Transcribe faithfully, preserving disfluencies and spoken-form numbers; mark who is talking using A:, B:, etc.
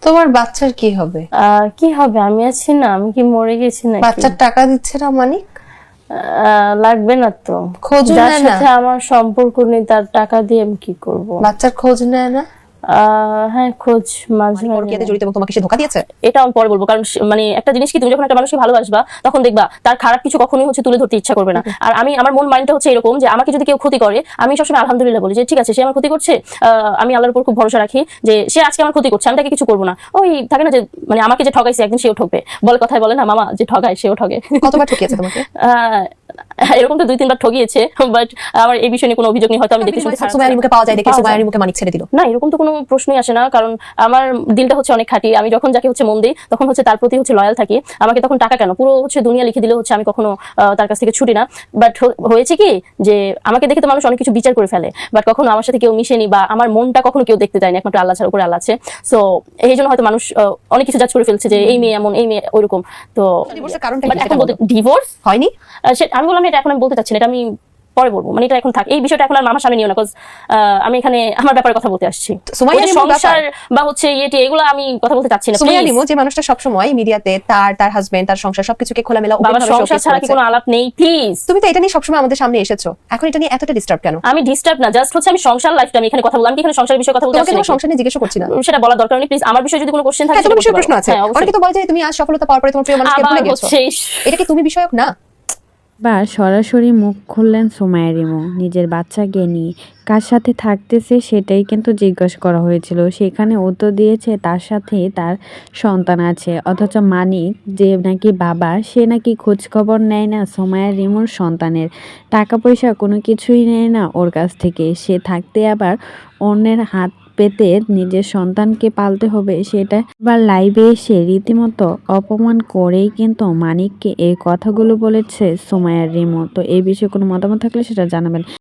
A: তোমার বাচ্চার কি হবে?
B: আহ কি হবে, আমি আছি না, আমি কি মরে গেছি নাকি?
A: বাচ্চার টাকা দিচ্ছে না মানিক?
B: আহ, লাগবে না তো।
A: খোঁজ
B: যার
A: নেয় না?
B: সাথে আমার সম্পর্ক নেই তার টাকা দিয়ে আমি কি করব?
A: বাচ্চার খোঁজ নেয় না?
B: আহ হ্যাঁ, খোঁজ মাঝে মাঝে
C: পরকীয়াতে জড়িত এবং তোমাকে সে ধোঁকা দিয়েছে?
D: এটা আমি পরে বলবো, কারণ সে- মানে একটা জিনিস কি, তুমি যখন একটা মানুষকে ভালোবাসবা তখন দেখবা তার খারাপ কিছু কখনোই হচ্ছে তুলে ধরতে ইচ্ছা করবে না। আর আমি, আমার মন মাইন্ডটা হচ্ছে এরকম যে আমাকে যদি কেউ ক্ষতি করে আমি সবসময় আলহামদুলিল্লাহ বলি যে ঠিক আছে, সে আমার ক্ষতি করছে, আহ, আমি আল্লাহর উপর খুব ভরসা রাখি যে সে আজকে আমার ক্ষতি করছে, আমি তাকে কিছু করবো না। ওই থাকে না যে মানে আমাকে যে ঠকাইছে একদিন সেও ঠকবে, বলে কথায় বলে না মামা, যে ঠকায় সেও ঠকে।
C: কতবার ঠকিয়েছে তোমাকে?
D: আহ, এরকম তো দুই তিনবার ঠকিয়েছে, বাট আমার এই বিষয়ে নিয়ে কোনো অভিযোগ নেই। হয়তো আমি দেখতে শুনতে খারাপ
C: সুমাইয়ার মুখে পাওয়া যায় দেখে
D: পাওয়া যায়।
C: সুমাইয়ার মুখে মানিক ছেড়ে দিল?
D: না, এরকম তো কোনো প্রশ্নই আসে না, কারণ আমার দিলটা হচ্ছে অনেক খাঁটি। আমি যখন যাকে হচ্ছে মন দিই তখন হচ্ছে তার প্রতি হচ্ছে লয়াল থাকি। আমাকে তখন টাকা কেন, পুরো হচ্ছে দুনিয়া লিখে দিলে হচ্ছে আমি কখনো আহ, তার কাছ থেকে ছুটি না। বাট হয়েছে কি যে আমাকে দেখে তো মানুষ অনেক কিছু বিচার করে ফেলে, বাট কখনো আমার সাথে কেউ মিশেনি বা আমার মনটা কখনো কেউ দেখতে চায়নি, একমাত্র আল্লাহ ছাড়া উপরে আল্লাহ আছে। সো এই জন্য হয়তো মানুষ আহ, অনেক কিছু জাজ করে ফেলছে যে এই মেয়ে এমন, এই মেয়ে ওইরকম। তো
C: ডিভোর্সের কারণটা
D: but
C: কি
D: এখন
C: সেটা
D: বলতে
C: বলো?
D: ডিভোর্স
C: হয়নি?
D: আমি বললাম এটা এখন আমি বলতে চাচ্ছি না, এটা আমি পরে বলবো, মানে এটা এখন থাক, এই বিষয়টা এখন আর মামার সামনে নিও না, বিকজ আমি এখানে আমার ব্যাপারে কথা বলতে আসছি।
C: সুমাইয়া
D: ওই যে
C: লিমুর
D: সংসার বা হচ্ছে ইয়েটি এগুলো আমি কথা বলতে চাচ্ছি না।
C: সুমাইয়া
D: please।
C: লিমু যে মানুষটা সবসময় মিডিয়াতে তার তার হাজবেন্ড তার সংসার সবকিছুকে খোলামেলা
D: বাবার
C: ওপেনভাবে
D: সংসার
C: showcase
D: ছাড়া কি
C: করেছে।
D: কোনো আলাপ নেই? প্লিজ।
C: তুমি তো এটা নিয়ে সবসময় আমাদের সামনে এসেছো, এখন এটা নিয়ে এতটা ডিস্টার্ব কেন?
D: আমি ডিস্টার্ব না, জাস্ট হচ্ছে আমি সংসার লাইফটা আমি এখানে কথা বললাম, আমি কি এখানে সংসারের বিষয়ে কথা বলতে
C: তোমাকে
D: আসছি
C: তোমার
D: নাকি?
C: সংসার নিয়ে জিজ্ঞেস করছি না।
D: সেটা বলার দরকার নেই, প্লিজ। আমার বিষয়ে যদি কোনো কোশ্চেন থাকে
C: হ্যাঁ, তোমার
D: সেটা
C: বিষয়ে
D: বলতে
C: প্রশ্ন
D: পারো।
C: আছে।
D: হ্যাঁ, অবশ্যই।
C: অনেকে তো বলে যে তুমি আজ সফলতা পাওয়ার পরে তোমার প্রিয় মানুষকে ভুলে
D: আবার
C: গেছো,
D: হচ্ছে
C: এটা কি তুমি বিষয়ক না?
E: বা সরাসরি মুখ খুললেন সুমাইয়া রিমু নিজের বাচ্চাকে নিয়ে। কার সাথে থাকতেছে সেটাই কিন্তু জিজ্ঞাসা করা হয়েছিল, সেখানে উত্তর দিয়েছে তার সাথে তার সন্তান আছে। অথচ মানিক যে নাকি বাবা, সে নাকি খোঁজ খবর নেয় না সুমাইয়া রিমুর সন্তানের, টাকা পয়সা কোনো কিছুই নেয় না ওর কাছ থেকে। সে থাকতে আবার অন্যের হাত পেতে নিজের সন্তানকে পালতে হবে, সেটা এবার লাইভে এসে রীতিমতো অপমান করেই কিন্তু মানিককে এই কথাগুলো বলেছে সুমাইয়া রিমু। তো এই বিষয়ে কোনো মতামত থাকলে সেটা জানাবেন।